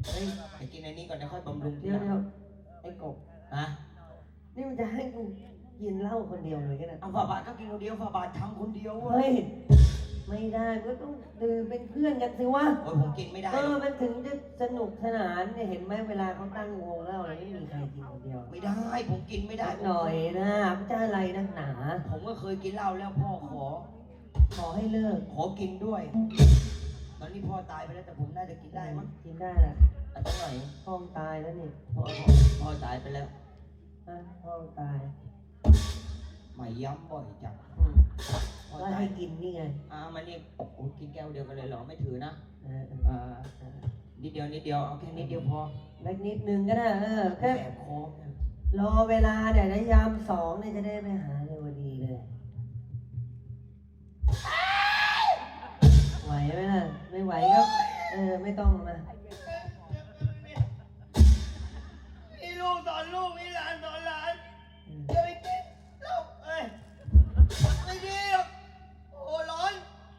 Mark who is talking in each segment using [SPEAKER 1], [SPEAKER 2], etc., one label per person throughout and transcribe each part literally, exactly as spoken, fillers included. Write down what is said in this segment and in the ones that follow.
[SPEAKER 1] เฮ้ยไปกินอันนี้ก่อนนะค่อยบำรุง
[SPEAKER 2] เดี๋ยวเดี๋ยวไอ้กบ
[SPEAKER 1] ฮะ
[SPEAKER 2] นี่มันจะให้กูกินเหล้าคนเดียวเลยกันนะ
[SPEAKER 1] เอาฝ่าบาทก็กินคนเดียวฝ่าบาททำคนเดียวเว้
[SPEAKER 2] เฮ้
[SPEAKER 1] ย
[SPEAKER 2] ยไม่ได้ก็ต้องดื่มเป็นเพื่อนกันสิวะ
[SPEAKER 1] โอ้ยผมกินไม่ได้
[SPEAKER 2] เออมันถึงจะสนุกสนานเนี่ยเห็นไหมเวลาเขาตั้งวงเหล้าอะไรไม่มีใครกินคนเดียว
[SPEAKER 1] ไม่ได้ผมกินไม่ได้
[SPEAKER 2] หน่อยนะมันจะอะไรนักหนา
[SPEAKER 1] ผมก็เคยกินเหล้าแล้วพ่อขอ
[SPEAKER 2] ขอให้เลิก
[SPEAKER 1] ขอกินด้วย ตอนนี้พ่อตายไปแล้วแต่ผมน่าจะกินได้มั้ง
[SPEAKER 2] กินได้แหละ
[SPEAKER 1] อันเท่าไหร่
[SPEAKER 2] พ่อตายแล้วนี่
[SPEAKER 1] พ่อพ่อตายไปแล้ว
[SPEAKER 2] อ่ะพ่อตาย
[SPEAKER 1] ไม่ย้ำบ่อยจัง
[SPEAKER 2] อืม
[SPEAKER 1] พ่อ
[SPEAKER 2] ก็
[SPEAKER 1] ตาย
[SPEAKER 2] ให้กินนี่ไง
[SPEAKER 1] อ่ามานี่โอ้กินแก้วเดียวกันเลยเหรอไม่ถือนะ
[SPEAKER 2] เออเออ
[SPEAKER 1] อ่านิดเดียวนิดเดียวเอาแค่นิดเดียวพอ
[SPEAKER 2] เล็กนิดนึงก็ได้เออแค่
[SPEAKER 1] แสบคอ
[SPEAKER 2] รอเวลาเดี๋ยวนะยามสองเนี่ยจะได้ไปหาเรวดีเลย ไหวไหมล่ะ ไม่ไหวก็เออไม่ต้องมา
[SPEAKER 1] มีลูกสอนลูกมีหลานสอนหลาน
[SPEAKER 2] เออ
[SPEAKER 1] อย่าไปกินเหล้าเอ้ยไม่ดีหรอกโอ้ร้อน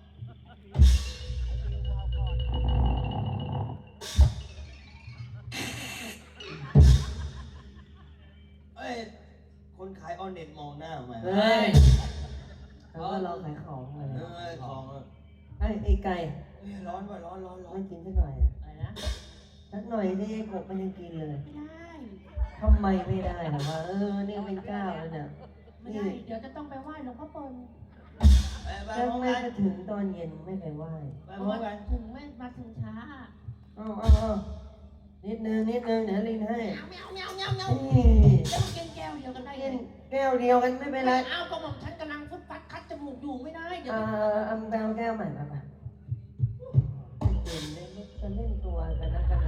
[SPEAKER 1] เอ้ยคนขายออนเน็ตมองหน้ามา
[SPEAKER 2] เฮ้ยเขาก็รอขายของเลย
[SPEAKER 1] เอ้ยของอ่ะ
[SPEAKER 2] ไอ้ไอ้ไก่
[SPEAKER 1] เฮ้ยร้อนว่ะร้อนร้อนร้อน
[SPEAKER 2] ไม่กินสักหน่อยอะ
[SPEAKER 3] อะไรนะ
[SPEAKER 2] สักหน่อยที่ไอ้กบมันยังกินเลย
[SPEAKER 3] ไม่ได้
[SPEAKER 2] ทำไมไม่ได้หรอวะเออนี่เป็นเจ้าแล้วเนี่ย
[SPEAKER 3] ไม่ได้ เดี๋ยวจะต้องไปไหว้หลวงพ่อเปิล
[SPEAKER 1] ไปไป
[SPEAKER 2] แล้ว
[SPEAKER 1] พร้อม
[SPEAKER 2] ไม่
[SPEAKER 1] กัน
[SPEAKER 2] ไปถึงตอนเย็นไม่ไปไหว้
[SPEAKER 1] ไป
[SPEAKER 3] เพ
[SPEAKER 1] พ
[SPEAKER 3] ราะ
[SPEAKER 1] ร้อ
[SPEAKER 3] ว่าม
[SPEAKER 1] กัน
[SPEAKER 3] ถึงไม่มาถึงช้า
[SPEAKER 2] เอาเอาเอานิดนึงนิดนึงเดี๋ยวลินให้
[SPEAKER 3] เมียวเมียวเมียวเมียว
[SPEAKER 2] นี่
[SPEAKER 3] แล้วมันกินแก้วเดียวกันได้
[SPEAKER 2] กิ
[SPEAKER 3] ไง
[SPEAKER 2] นแก้วเดียวกันไม่เป็นไร
[SPEAKER 3] ไม่เอาก็บอกฉันกำลังฟุดฟัดคัดจมูกอยู่ไม่ได้ เดี๋ยว
[SPEAKER 2] อ่า
[SPEAKER 3] จะ
[SPEAKER 2] เอาแก้วแก้วใหม่มาป่ะเล่นเล่นจะเล่นตัวกันนะกัน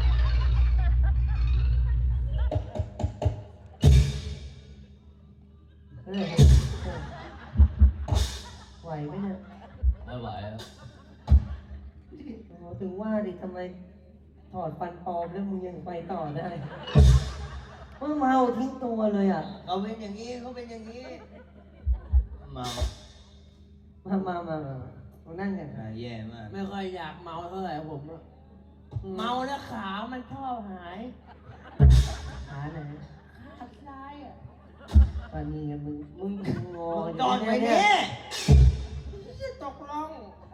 [SPEAKER 2] เออเออไหวไหมเนี่ย
[SPEAKER 1] ไม่ไหวแล้ว
[SPEAKER 2] โอ้โหถึงว่าดิทำไมถอดฟันปลอมแล้วมึงยังไปต่อได้มึงเมาทิ้งตัวเลยอ่ะ
[SPEAKER 1] เขาเป็นอย่างนี้เขาเป็นอย่างนี้เมา
[SPEAKER 2] มามามามามานั่งกัน
[SPEAKER 1] อ่าแย่มาก
[SPEAKER 3] ไม่ค่อยอยากเมาเท่าไหร่ผมอะเมาแล้วขามันชอบหาย
[SPEAKER 2] ขาไหน
[SPEAKER 3] ขาซ้ายอ่ะ
[SPEAKER 2] ปานีมึงมึงงอ
[SPEAKER 1] จอดไว้
[SPEAKER 2] เนี่
[SPEAKER 1] นี่
[SPEAKER 3] จะตกล่อง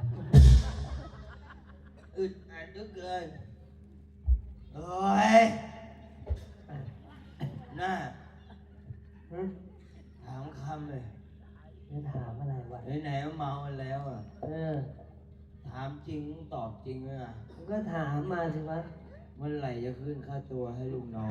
[SPEAKER 1] อึดอัดเหลือเกินเฮ้ยหน้า
[SPEAKER 2] ฮะ
[SPEAKER 1] ถามคำเลย
[SPEAKER 2] จะถามอะไรวะ
[SPEAKER 1] ไหนๆเมาแล้วอ่ะ
[SPEAKER 2] เออ
[SPEAKER 1] ถามจริงตอบจริงเลยอ่ะ
[SPEAKER 2] มึงก็ถามมาสิวะ
[SPEAKER 1] เมื่อไหร่จะขึ้นค่าตัวให้ลูกน้อง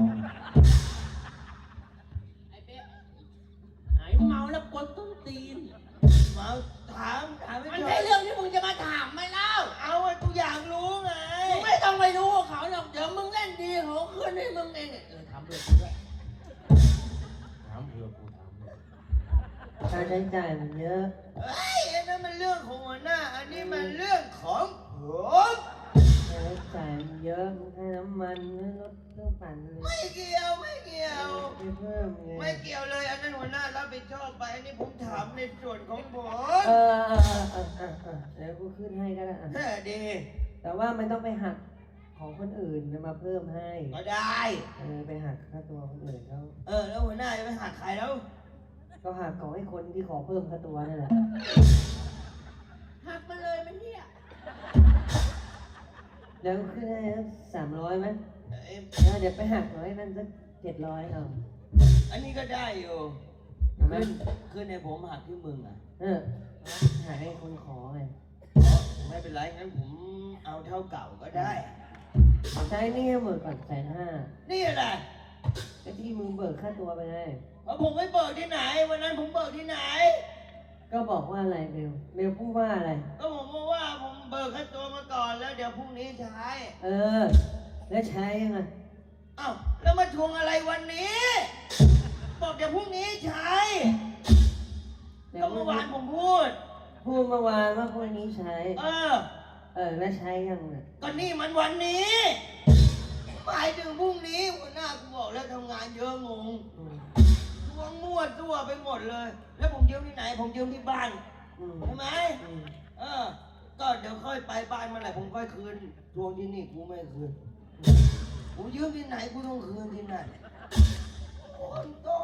[SPEAKER 3] ไอ้เป๊ะหายเมาแล้วกดต้นตีน
[SPEAKER 1] เมาถามถามไม่
[SPEAKER 3] มัน
[SPEAKER 1] จบ
[SPEAKER 3] ใช่เรื่องที่มึงจะมาถามไหมเล่า
[SPEAKER 1] เอาไว้กูอยากรู้ไง
[SPEAKER 3] มึงไม่ต้องไปรู้กับเขาหรอก เดี๋ยวมึงเล่นดีเขาขึ้นให้มึงเองเนี่ยเออถามเพื่อนกูด้วยถามเพื่อนกูถามเพื่อน
[SPEAKER 2] ค่าใช้จ่ายมันเยอะ
[SPEAKER 1] เฮ้ยอันนั้นมันเรื่องของหัวหน้า อันนี้มันเรื่องของผม
[SPEAKER 2] ค่าใช้จ่ายมันเยอะมึงให้น้ำมันให้รถเครื่องปั่นเลย
[SPEAKER 1] ไม่เกี่ยวไม่เกี่ยว
[SPEAKER 2] ไปเพิ่มไง
[SPEAKER 1] ไม่เกี่ยวเลย อันนั้นหัวหน้ารับผิดชอบไป อันนี้ผมถามในส่วนของผม
[SPEAKER 2] เออเออเออเออเออเดี๋ยวกูขึ้นให้ก็ได้อะ
[SPEAKER 1] แค่ดี
[SPEAKER 2] แต่ว่ามันต้องไปหักของคนอื่นมาเพิ่มให้
[SPEAKER 1] ก็ได้
[SPEAKER 2] เออไปหักค่าตัวคนอื่นเขา
[SPEAKER 1] เออ แล้วหัวหน้าจะไปหักใครแล้ว
[SPEAKER 2] ก็หักของให้คนที่ขอเพิ่มค่าตัวนั่นแหละ
[SPEAKER 3] หักมาเลยมันเนี่ย
[SPEAKER 2] เดี๋ยวขึ้นให้สามร้อยไหม
[SPEAKER 1] เอ้ย
[SPEAKER 2] แล้วเดี๋ยวไปหักร้อยนั่นสักเจ็ดร้อยเอา
[SPEAKER 1] อันนี้ก็ได้อยู่
[SPEAKER 2] เอาไหม
[SPEAKER 1] ขึ้นขึ้นในผมหักที่มึงอ่ะ
[SPEAKER 2] เออหักให้คนขอไง
[SPEAKER 1] อ๋อไม่เป็นไร งั้นผมเอาเท่าเก่าก็ได้
[SPEAKER 2] ใช้หนี่หมื่นก่อนแสนห้า
[SPEAKER 1] นี่แหละ
[SPEAKER 2] ไอ้ที่มึงเบิกค่าตัวไปไง
[SPEAKER 1] เพราะผมไม่เบิกที่ไหน วันนั้นผมเบิกที่ไหน
[SPEAKER 2] ก็บอกว่าอะไรเบลเบลพูดว่าอะไร
[SPEAKER 1] ก็ผมบอกว่าผมเบิกค่าตัวมาก่อนแล้วเดี๋ยวพรุ่งนี้ใช้
[SPEAKER 2] เออ แล้วใช้ยังไง
[SPEAKER 1] อ้าวแล้วมาทวงอะไรวันนี้ บอกเดี๋ยวพรุ่งนี้ใช้ ก็เมื่อวานผมพูด
[SPEAKER 2] พูดเมื่อวานว่าพวกนี้ใช้
[SPEAKER 1] เออ
[SPEAKER 2] เออแล้วใช้ยังไง
[SPEAKER 1] ก็นี่มันวันนี้หมายถึงพรุ่งนี้หัวหน้ากูบอกแล้วทำงานเยอะงง
[SPEAKER 2] อืม
[SPEAKER 1] ทวงมั่วตัวไปหมดเลย แล้วผมยืมที่ไหน ผมยืมที่บ้าน
[SPEAKER 2] อืม
[SPEAKER 1] ใช่ไหม
[SPEAKER 2] อืม
[SPEAKER 1] เออ ก็เดี๋ยวค่อยไปบ้านเมื่อไหร่ผมค่อยคืน ทวงที่นี่กูไม่คืนกูยืมที่ไหนกูต้องคืนที่นั่นคนต้อง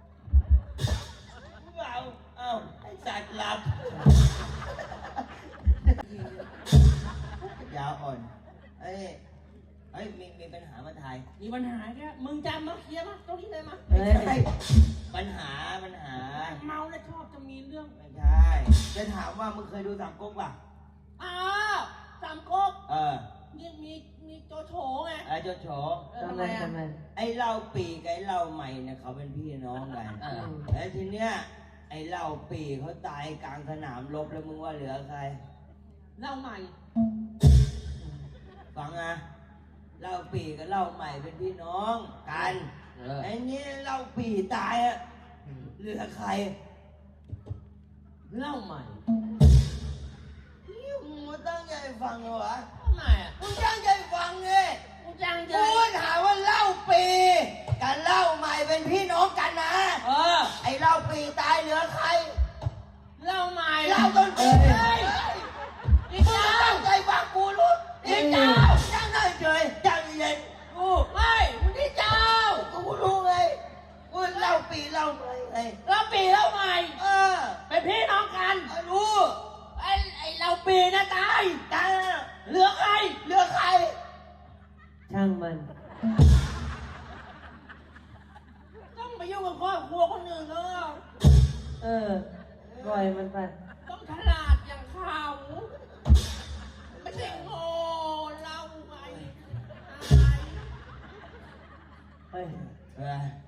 [SPEAKER 1] เอาเอาไอ้สัตว์หลับยาวอ่อนเอ้ยเอ้ยมีมีปัญหามาถ่าย
[SPEAKER 3] มีปัญหาแค่มึงจำมาเคลียร์มาตรงที่เลยมา
[SPEAKER 2] เฮ้ย
[SPEAKER 1] ใช่ปัญหาปัญหา
[SPEAKER 3] เมาแล้วชอบจะมีเรื่อง
[SPEAKER 1] ไม่ใช่จะถามว่ามึงเคยดูสามก๊กป่ะ
[SPEAKER 3] อ้าวสามก๊ก
[SPEAKER 1] เออ
[SPEAKER 3] มีมีมีโจโฉไง
[SPEAKER 1] ไอ้เจ้าโฉ
[SPEAKER 3] เออ
[SPEAKER 2] ทำ
[SPEAKER 3] ทำ
[SPEAKER 2] ไม
[SPEAKER 3] ไมอ่ะ
[SPEAKER 2] ทำไม
[SPEAKER 1] ไอ้เหล้าปีกับไอ้เหล้าใหม่เนี่ยเขาเป็นพี่น้องกัน
[SPEAKER 3] เออ
[SPEAKER 1] แล้วทีเนี้ยไอ้เหล้าปีเขาตายกลางสนามรบแล้วมึงว่าเหลือใคร
[SPEAKER 3] เล่าใหม่
[SPEAKER 1] ฟังนะเหล้าปีกับเหล้าใหม่เป็นพี่น้องกัน
[SPEAKER 3] เออ
[SPEAKER 1] ไอ้นี่เหล้าปีตายอะเหลือใคร
[SPEAKER 3] เล่าใหม่
[SPEAKER 1] นี่มึงมาตั้งใจฟังเหรอวะ
[SPEAKER 3] ทำไมอ่ะ
[SPEAKER 1] มึงตั้งใจฟังเลย
[SPEAKER 3] กูจังใจ
[SPEAKER 1] กูถามว่าเหล้าปีกับเหล้าใหม่เป็นพี่น้องกันนะ
[SPEAKER 3] เออ
[SPEAKER 1] ไอ้เหล้าปีตายเหลือใคร
[SPEAKER 3] เล่าใหม่
[SPEAKER 1] เหล้าต้นปี
[SPEAKER 3] เฮ้
[SPEAKER 1] เฮ้
[SPEAKER 3] ย
[SPEAKER 1] ย
[SPEAKER 3] อี
[SPEAKER 1] มึง
[SPEAKER 3] เจ้า
[SPEAKER 1] ตั้งใจฟังกูรู้นี่เจ้าจ้างได้เฉยจ้างเย็นกู
[SPEAKER 3] ไม่มึงที่เจ้า
[SPEAKER 1] กูรู้ไงกูเหล้าปีเหล้าใหม่ไง
[SPEAKER 3] เล่าปีเล่าใหม่
[SPEAKER 1] เออ
[SPEAKER 3] เป็นพี่น้องกัน
[SPEAKER 1] รู้
[SPEAKER 3] ไอ้ไอ้เราปีนะตาย
[SPEAKER 1] จ้า
[SPEAKER 3] เหลือใคร
[SPEAKER 1] เหลือใคร
[SPEAKER 2] ช่างมัน
[SPEAKER 3] ต้องไปยุ่งกับครอบครัวคนอื่นเขา
[SPEAKER 2] เออปล่อยมันไป
[SPEAKER 3] ต้องฉลาดอย่างเขาไม่ใช่โง่เราไง
[SPEAKER 2] เฮ้ย
[SPEAKER 1] เออ